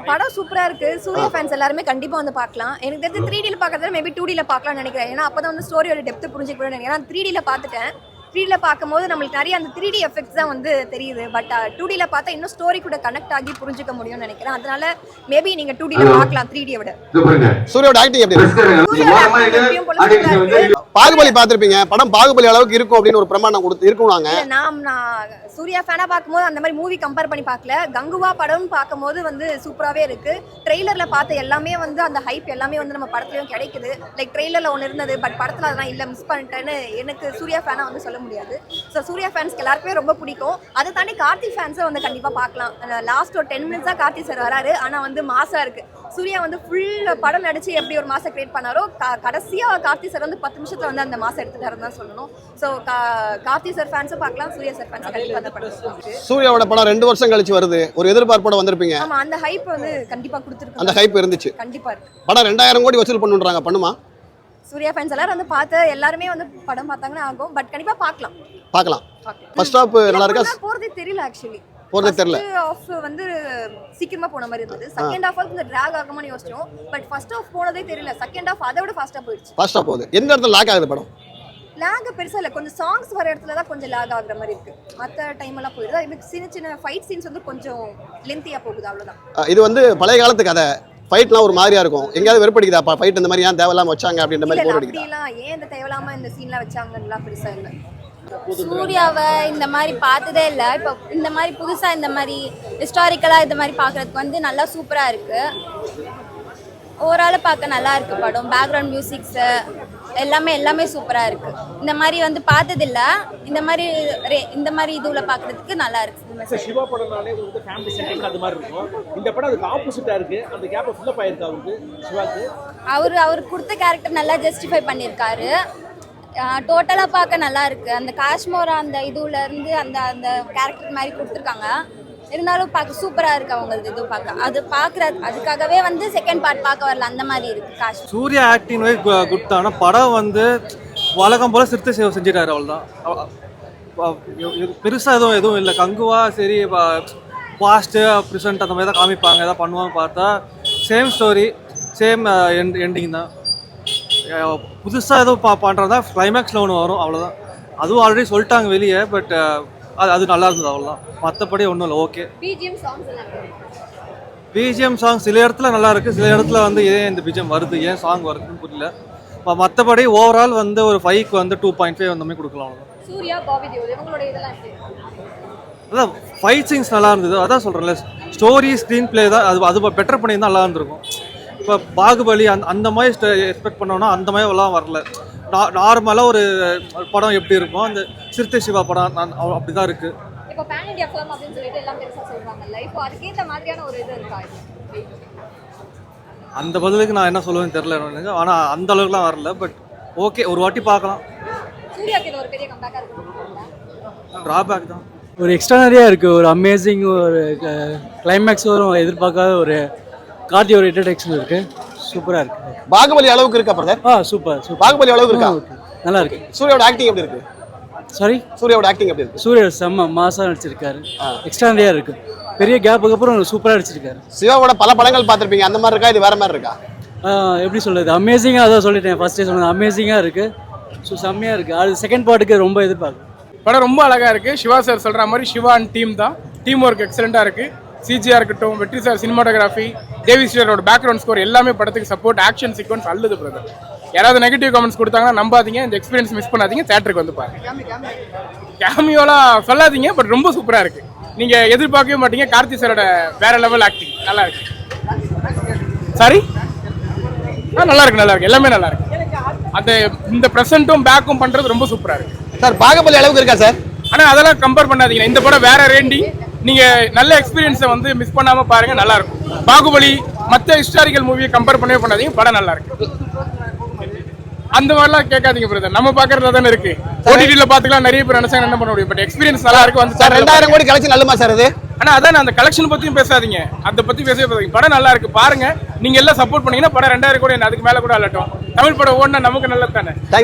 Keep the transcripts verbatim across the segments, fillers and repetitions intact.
படம் சூப்பரா இருக்கு. சூர்யா ஃபேன்ஸ் எல்லாருமே கண்டிப்பா வந்து பார்க்கலாம். எனக்கு தெரிஞ்சு த்ரீ டில பார்க்கறத மேபி டூ டில பார்க்கலாம்னு நினைக்கிறேன். ஏன்னா அப்பதான் வந்து ஸ்டோரியோட டெப்த் புரிஞ்சுக்க முடியும் நினைக்கிறேன். த்ரீ டில பார்த்துட்டேன். த்ரீ டில பார்க்கும்போது நம்மளுக்கு நிறைய அந்த த்ரீ டி எஃபெக்ட்ஸ் தான் வந்து தெரியுது. பட் டூ டில பார்த்தா இன்னும் ஸ்டோரி கூட கனெக்ட் ஆகி புரிஞ்சுக்க முடியும்னு நினைக்கிறேன். அதனால மேபி நீங்க டூ டில பார்க்கலாம் த்ரீ டியை விட. சூர்யாவோட ஆக்டிங் எப்படி இருக்கு? பாகுபலி பார்த்திருப்பீங்க. படம் பாகுபலி அளவுக்கு இருக்கும் அப்படின்னு ஒரு பிரமாணம் கொடுத்து இருக்கும்னாங்க. நான் நான் சூர்யா ஃபேனா பார்க்கும்போது அந்த மாதிரி மூவி கம்பேர் பண்ணி பார்க்கல. கங்குவா படம் பார்க்கும்போது வந்து சூப்பராகவே இருக்கு. ட்ரெய்லர்ல பார்த்த எல்லாமே வந்து அந்த ஹைப் எல்லாமே வந்து நம்ம படத்துலயும் கிடைக்குது. லைக் ட்ரெய்லர்ல ஒன்று இருந்தது, பட் படத்துல அதெல்லாம் இல்லை, மிஸ் பண்ணிட்டேன்னு எனக்கு சூர்யா ஃபேனா வந்து சொல்ல முடியாது. ஸோ சூர்யா ஃபேன்ஸ்க்கு எல்லாருக்குமே ரொம்ப பிடிக்கும். அதை தாண்டி கார்த்தி ஃபேன்ஸை வந்து கண்டிப்பாக பார்க்கலாம். லாஸ்ட் ஒரு டென் மினிட்ஸ் தான் கார்த்தி சார் வராரு, ஆனால் வந்து மாசா இருக்கு. சூர்யா வந்து ஃபுல் படம் நடிச்சு எப்படி ஒரு மாசம் கிரியேட் பண்ணாரோ, கடைசியா கார்த்தி சார் வந்து பத்து நிமிஷத்துல வந்து அந்த மாசம் எடுத்துட்டாருன்னு தான் சொல்லணும். ஸோ கார்த்தி சார் ஃபேன்ஸும் பார்க்கலாம், சூர்யா சார் ஃபேன்ஸ் கண்டிப்பாக அந்த படம். சூர்யாவோட படம் ரெண்டு வருஷம் கழிச்சு வருது, ஒரு எதிர்பார்ப்போட வந்திருப்பீங்க. ஆமா, அந்த ஹைப் வந்து கண்டிப்பா கொடுத்துருக்கு. அந்த ஹைப் இருந்துச்சு, கண்டிப்பா இருக்கு. படம் ரெண்டாயிரம் கோடி வசூல் பண்ணுன்றாங்க, பண்ணுமா? சூர்யா ஃபேன்ஸ் எல்லாரும் வந்து பார்த்து எல்லாருமே வந்து படம் பார்த்தாங்கன்னா ஆகும். பட் கண்டிப்பா பார்க்கலாம் பார்க்கலாம் ஃபர்ஸ்ட் ஹாஃப் நல்லா இருக்கா? போறதே தெரியல ஆக்சுவலி. போறதே தெரியல. ஹாஃப் வந்து சீக்கிரமா போன மாதிரி இருந்தது. செகண்ட் ஹாஃப் வந்து டிராக் ஆகும்னு யோசிச்சோம். பட் ஃபர்ஸ்ட் ஹாஃப் போனதே தெரியல. செகண்ட் ஹாஃப் அதை விட ஃபாஸ்டா போயிடுச்சு. ஃபாஸ்டா போகுது. எந்த இடத்துல லாக் ஆகுது படம்? லாக் பெருசா இல்ல, கொஞ்சம் சாங்ஸ் வர இடத்துல தான் கொஞ்சம் லாக் ஆகுற மாதிரி இருக்கு. மத்த டைம் எல்லாம் போயிடுது. இது சின்ன சின்ன ஃபைட் சீன்ஸ் வந்து கொஞ்சம் லென்த்தியா போகுது, அவ்வளவுதான். இது வந்து பழைய காலத்து கதை. ஃபைட்லாம் ஒரு மாதிரியா இருக்கும். எங்கயாவது வெறுப்படிக்குதா ஃபைட் இந்த மாதிரி ஏன் தேவையில்லாம வச்சாங்க அப்படின்ற மாதிரி போர் அடிக்குது. அப்படிலாம் ஏன் இந்த தேவையில்லாம இந்த சீன்ல வச்சாங்கன்னுலாம் பெருசா இல்ல. சூர்யாவை இந்த மாதிரி பார்த்ததே இல்லை. இப்போ இந்த மாதிரி புதுசாக இந்த மாதிரி ஹிஸ்டாரிக்கலாக இந்த மாதிரி பார்க்குறதுக்கு வந்து நல்லா சூப்பராக இருக்குது. ஓவரால் பார்க்க நல்லா இருக்குது படம். பேக்ரவுண்ட் மியூசிக்ஸு எல்லாமே எல்லாமே சூப்பராக இருக்குது. இந்த மாதிரி வந்து பார்த்ததில்ல. இந்த மாதிரி இந்த மாதிரி இதுவில் பார்க்குறதுக்கு நல்லா இருக்குது. சிவா படம்னாலே வந்து ஃபேமிலி சென்டிங் அது மாதிரி இருக்கும். இந்த படம் அதுக்கு ஆப்போசிட்டாக இருக்குது. அந்த கேப்பை ஃபில்லப் ஆயிருக்கு அவருக்கு, சிவாக்கு. அவர் அவர் கொடுத்த கேரக்டர் நல்லா ஜஸ்டிஃபை பண்ணியிருக்காரு. டோட்டலாக பார்க்க நல்லா இருக்குது. அந்த காஷ்மோரா அந்த இதுல இருந்து அந்த அந்த கேரக்டர் மாதிரி கொடுத்துருக்காங்க. இருந்தாலும் பார்க்க சூப்பராக இருக்குது அவங்களது. இது பார்க்க அது பார்க்குற அதுக்காகவே வந்து செகண்ட் பார்ட் பார்க்க வரல, அந்த மாதிரி இருக்குது Kashmora. Suriya acting wise good தான். ஆனால் படம் வந்து வழக்கம் போல் சிறுத்தை சேவை செஞ்சிட்டாரு, அவ்வளோதான். பெருசாக எதுவும் எதுவும் இல்லை. கங்குவா சரி பாஸ்ட்டு ப்ரெசென்ட் அந்த மாதிரி தான் காமிப்பாங்க, எதாவது பண்ணுவாங்க. பார்த்தா சேம் ஸ்டோரி, சேம் எண்டிங் தான். புதுசாக எதுவும் பா பண்ணுறதா கிளைமேக்ஸில் ஒன்று வரும், அவ்வளோதான். அதுவும் ஆல்ரெடி சொல்லிட்டாங்க வெளியே. பட் அது அது நல்லா இருந்தது, அவ்வளோதான். மற்றபடி ஒன்றும் இல்லை. ஓகே. பிஜிஎம் சாங் சில இடத்துல நல்லா இருக்குது, சில இடத்துல வந்து ஏன் இந்த பிஜிஎம் வருது, ஏன் சாங் வருதுன்னு புரியல. மற்றபடி ஓவரால் வந்து ஒரு ஃபைவ்க்கு வந்து டூ பாயிண்ட் ஃபைவ் அந்த மாதிரி கொடுக்கலாம், அவ்வளோதான். அதான் ஃபைட் சீன்ஸ் நல்லா இருந்தது, அதான் சொல்கிறேன்ல. ஸ்டோரி ஸ்க்ரீன் பிளே தான் அது அது பெட்டர் பண்ணி தான் நல்லா இருந்திருக்கும். இப்போ பாகுபலி அந்த அந்த மாதிரி எக்ஸ்பெக்ட் பண்ணோன்னா அந்த மாதிரி எல்லாம் வரல. நார்மலாக ஒரு படம் எப்படி இருக்கும், அந்த சிறுத்தை சிவா படம் அப்படி தான் இருக்குது. இப்போ பேன் இந்தியா ஃபிலிம் அப்படின்னு சொல்லிட்டு எல்லாம் பெருசாக சொல்கிறாங்கல்ல, இப்போ அதுக்கேற்ற மாதிரியான ஒரு இது இருக்கா? அந்த பதிலுக்கு நான் என்ன சொல்லுவேன்னு தெரியல எனக்கு. ஆனால் அந்த அளவுக்குலாம் வரல. பட் ஓகே, ஒரு வாட்டி பார்க்கலாம். சூர்யாக்கு இது ஒரு பெரிய கம்பேக்காக இருக்கு. ட்ராபேக் தான். ஒரு எக்ஸ்ட்ரானரியாக இருக்குது. ஒரு அமேசிங் ஒரு கிளைமேக்ஸ் வரும், எதிர்பார்க்காத ஒரு கார்த்தி ஒரு இன்ட்ரடக்ஷன் இருக்குது. சூப்பராக இருக்குது. பாகுபலி அளவுக்கு இருக்கா பிரதர்? ஆ சூப்பர் சூப்பர். பாகுபலி அளவுக்கு இருக்கா? நல்லா இருக்கு. சூர்யாவோட ஆக்டிங் எப்படி இருக்கு? சாரி, சூர்யாவோட ஆக்டிங் எப்படி இருக்கு? சூர்யா செம்ம மாசா நடிச்சிருக்காரு. எக்ஸ்ட்ரானரியாக இருக்கு. பெரிய கேப்புக்கு அப்புறம் சூப்பராக நடிச்சிருக்காரு. சிவாவோட பல படங்கள் பார்த்துருப்பீங்க, அந்த மாதிரி இருக்கா, இது வேற மாதிரி இருக்கா? எப்படி சொல்றது, அமேசிங்காக அதான் சொல்லிட்டேன் ஃபர்ஸ்டே சொன்னது. அமேசிங்காக இருக்கு, ஸோ செம்மையாக இருக்கு. அது செகண்ட் பார்ட்டுக்கு ரொம்ப எதிர்பார்க்கு. படம் ரொம்ப அழகாக இருக்குது. சிவா சார் சொல்கிற மாதிரி சிவா அண்ட் டீம் தான். டீம் ஒர்க் எக்ஸலண்ட்டாக இருக்குது. சிஜியாக இருக்கட்டும், வெற்றி சார் சினிமாட்டோகிராஃபி, தேவி ஸ்ரீரோட பேக்ரவுண்ட் ஸ்கோர் எல்லாமே படத்துக்கு சப்போர்ட். ஆக்ஷன் சீக்வன்ஸ் அல்லது பிரதர். யாராவது நெகட்டிவ் கமெண்ட்ஸ் கொடுத்தாங்கன்னா நம்பாதீங்க, இந்த எக்ஸ்பீரியன்ஸ் மிஸ் பண்ணாதீங்க, தேட்டருக்கு வந்து பாருங்க. கேமியோலாம் சொல்லாதீங்க, பட் ரொம்ப சூப்பராக இருக்குது. நீங்கள் எதிர்பார்க்கவே மாட்டீங்க. கார்த்தி சாரோட வேற லெவல் ஆக்டிங் நல்லா இருக்கு. சாரி, ஆ நல்லா இருக்கு, நல்லா இருக்கு, எல்லாமே நல்லா இருக்கு. அந்த இந்த ப்ரெசென்ட்டும் பேக்கும் பண்ணுறது ரொம்ப சூப்பராக இருக்கு. சார் பாகுபலி அளவுக்கு இருக்கா சார்? ஆனால் அதெல்லாம் கம்பேர் பண்ணாதீங்க. இந்த படம் வேற ரேண்டி. நீங்க நல்ல எக்ஸ்பீரியன்ஸை வந்து மிஸ் பண்ணாம பாருங்க, நல்லா இருக்கும். பாகுபலி மற்ற ஹிஸ்டாரிக்கல் மூவியை கம்பேர் பண்ணவே பண்ணாதீங்க, படம் நல்லா இருக்கு. அந்த மாதிரிலாம் கேட்காதீங்க பிரதர், நம்ம பாக்குறதுல தானே இருக்கு. ஓடிடில பாத்துக்கலாம், நிறைய பேர் நினைச்சாங்க என்ன பண்ண முடியும். பட் எக்ஸ்பீரியன்ஸ் நல்லா இருக்கு. வந்து சார் ரெண்டாயிரம் கோடி கலெக்ஷன் நல்லமா சார் அது? ஆனா அதான் அந்த கலெக்ஷன் பத்தியும் பேசாதீங்க, அதை பத்தி பேசவே பேசாதீங்க. படம் நல்லா இருக்கு, பாருங்க. நீங்க எல்லாம் சப்போர்ட் பண்ணீங்கன்னா படம் ரெண்டாயிரம் கோடி அதுக்கு மேல கூட அல்லட்டும். தமிழ் படம் ஓடினா நமக்கு நல்லது தானே. தேங்க்யூ.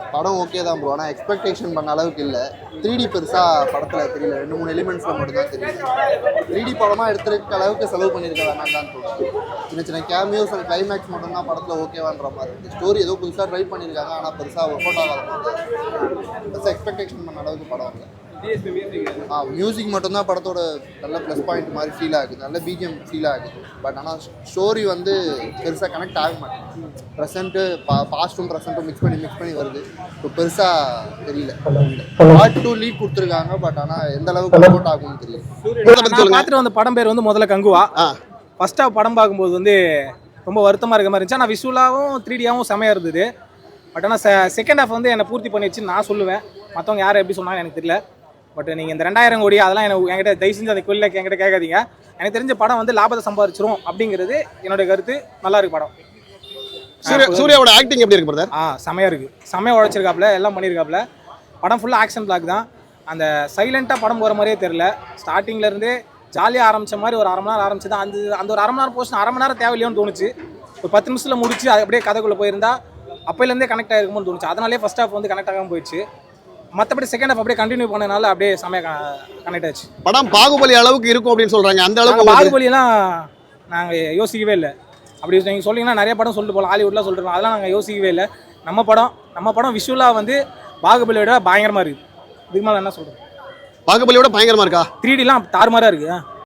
படம் ஓகே தான் ப்ரோ, ஆனால் எக்ஸ்பெக்டேஷன் பண்ண அளவுக்கு இல்லை. த்ரீ டி பெருசாக படத்தில் தெரியல, ரெண்டு மூணு எலிமெண்ட்ஸில் மட்டும் தான் தெரியும். த்ரீ டி படமாக எடுத்துருக்க அளவுக்கு செலவு பண்ணியிருக்க வேணாம் தான் தோணுது. சின்ன சின்ன கேமியோஸ் அண்ட் கிளைமேக்ஸ் மட்டும் தான் படத்தில் ஓகேவான்ற மாதிரி இருக்குது. ஸ்டோரி ஏதோ புதுசாக ட்ரை பண்ணியிருக்காங்க, ஆனால் பெருசாக ஒர்க் அவுட் ஆகாத மாதிரி பெருசாக எக்ஸ்பெக்டேஷன் பண்ண அளவுக்கு படம் இல்லை. ஆ மியூசிக் மட்டும்தான் படத்தோட நல்ல ப்ளஸ் பாயிண்ட் மாதிரி ஃபீல் ஆகுது, நல்ல பிஜிஎம் ஃபீல் ஆகுது. பட் ஆனால் ஸ்டோரி வந்து பெருசாக கனெக்ட் ஆக மாட்டேங்குது. ப்ரெசென்ட்டு பா பாஸ்ட்டும் ப்ரெசென்ட்டும் மிக்ஸ் பண்ணி மிக்ஸ் பண்ணி வருது. இப்போ பெருசாக தெரியல. பார்ட் டூ லீட் கொடுத்துருக்காங்க, பட் ஆனால் எந்த அளவுக்கு ஒர்க் அவுட் ஆகும்னு தெரியல. நான் பார்த்துட்டு வந்த படம் பேர் வந்து முதல்ல கங்குவா. ஃபர்ஸ்ட் ஹாஃப் படம் பார்க்கும்போது வந்து ரொம்ப வருத்தமாக இருக்க மாதிரி இருந்துச்சு. ஆனால் விஷுவலாகவும் த்ரீ டியாகவும் செமையாக இருந்தது. பட் ஆனால் செகண்ட் ஹாஃப் வந்து என்னை பூர்த்தி பண்ணிடுச்சுன்னு நான் சொல்லுவேன். மற்றவங்க யார் எப்படி சொன்னாங்க எனக்கு தெரியல. பட் நீங்கள் இந்த ரெண்டாயிரம் கோடி அதெல்லாம் எனக்கு என்கிட்ட தயவு செஞ்சு அந்த கோயிலில் என்கிட்ட கேட்காதீங்க. எனக்கு தெரிஞ்ச படம் வந்து லாபத்தை சம்பாதிச்சிரும் அப்படிங்கிறது என்னுடைய கருத்து. நல்லா இருக்கு படம். சூர்யாவோட ஆக்டிங் எப்படி இருக்கு பிரதர்? ஆ செமையாக இருக்குது. செமையாக உழைச்சிருக்காப்புல, எல்லாம் பண்ணியிருக்காப்புல. படம் ஃபுல்லாக ஆக்ஷன் பிளாக் தான். அந்த சைலண்ட்டாக படம் போகிற மாதிரியே தெரில. ஸ்டார்டிங்லேருந்தே ஜாலியாக ஆரம்பித்த மாதிரி ஒரு அரை மணி நேரம் ஆரம்பிச்சு தான் அந்த அந்த ஒரு அரை மணி நேரம் போச்சு. அரை மணி நேரம் தேவையில்லையோன்னு தோணுச்சு. ஒரு பத்து நிமிஷத்தில் முடிச்சு அது அப்படியே கதைக்குள்ளே போயிருந்தா அப்போலேருந்தே கனெக்ட் ஆகிருக்குமோன்னு தோணுச்சு. அதனாலே ஃபஸ்ட் ஹாஃப் வந்து கனெக்ட் ஆகாமல் போயிடுச்சு. மற்றபடி செகண்ட் ஹாஃப் அப்படியே கண்டினியூ பண்ணனால அப்படியே செமையாக கனெக்ட் ஆச்சு. படம் பாகுபலி அளவுக்கு இருக்கும் அப்படின்னு சொல்கிறாங்க. அந்த அளவுக்கு பாகுபலியெல்லாம் நாங்கள் யோசிக்கவே இல்லை. அப்படி நீங்கள் சொன்னீங்கன்னா நிறைய படம் சொல்லிட்டு போகலாம், ஹாலிவுட்லாம் சொல்லிட்டு போகலாம். அதெல்லாம் நாங்கள் யோசிக்கவே இல்லை. நம்ம படம் நம்ம படம் விஷுவலாக வந்து பாகுபலியோட பயங்கரமாக இருக்குது. இதுக்கு மேலே என்ன சொல்கிறது? பாகுபலியோட பயங்கரமாக இருக்கா? த்ரீ டிலாம் தாறுமாறாக இருக்குது.